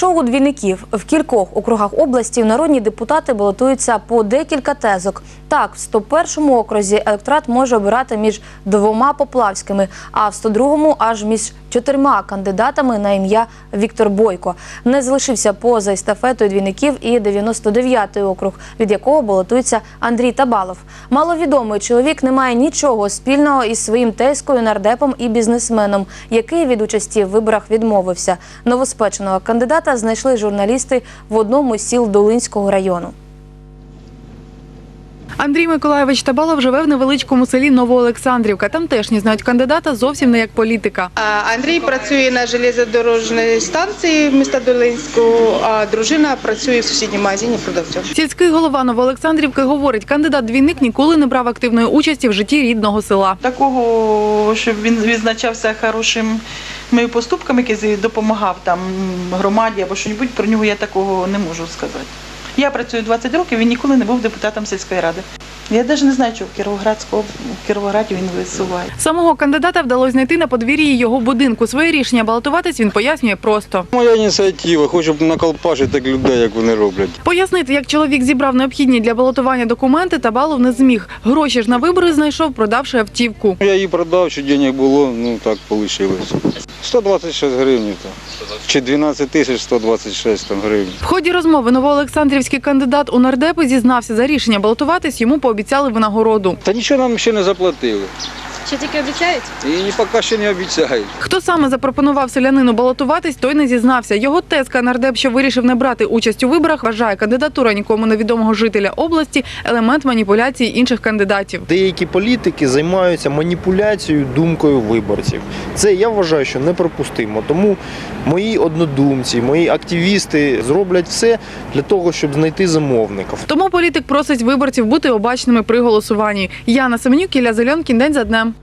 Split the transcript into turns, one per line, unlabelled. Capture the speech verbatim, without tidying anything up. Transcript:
Ток-шоу «Двійників». В кількох округах області народні депутати балотуються по декілька тезок. Так, в сто першому окрузі електорат може обирати між двома поплавськими, а в сто другому – аж між чотирма кандидатами на ім'я Віктор Бойко. Не залишився поза естафетою «Двійників» і дев'яносто дев'ятий округ, від якого балотується Андрій Табалов. Маловідомий чоловік не має нічого спільного із своїм тезкою, нардепом і бізнесменом, який від участі в виборах відмовився. Новоспеченого кандидата знайшли журналісти в одному з сіл Долинського району.
Андрій Миколайович Табалов живе в невеличкому селі Новоолександрівка. Тамтешні знають кандидата зовсім не як політика.
Андрій працює на железнодорожній станції міста Долинського, а дружина працює в сусідньому магазині продавцем.
Сільський голова Новоолександрівки говорить, кандидат-двійник ніколи не брав активної участі в житті рідного села.
Такого, щоб він відзначався хорошими поступками, який допомагав там громаді або щось, про нього я такого не можу сказати. Я працюю двадцять років, він ніколи не був депутатом сільської ради. Я навіть не знаю, чого в Кіровоградському, в Кіровограді він висуває.
Самого кандидата вдалося знайти на подвір'ї його будинку. Своє рішення балотуватись він пояснює просто.
Моя ініціатива, хочу наколпашити так людей, як вони роблять.
Пояснити, як чоловік зібрав необхідні для балотування документи, Табалов не зміг. Гроші ж на вибори знайшов, продавши автівку.
Я її продав, що денег було, ну так вийшло. сто двадцять шість гривень, чи дванадцять тисяч сто двадцять шість там, гривень.
В ході розмови новоолександрівський кандидат у нардепи зізнався, за рішення балотуватись йому пообіцяли винагороду.
Та нічого нам ще не заплатили.
Чи тільки обіцяють?
І поки ще не обіцяють.
Хто саме запропонував селянину балотуватись, той не зізнався. Його тезка нардеп, що вирішив не брати участь у виборах, вважає кандидатура нікому невідомого жителя області – елемент маніпуляції інших кандидатів.
Деякі політики займаються маніпуляцією думкою виборців. Це, я вважаю, що неприпустимо. Тому мої однодумці, мої активісти зроблять все для того, щоб знайти замовників.
Тому політик просить виборців бути обачними при голосуванні. Яна Семенюк, Ілля Зеленкін, день за днем.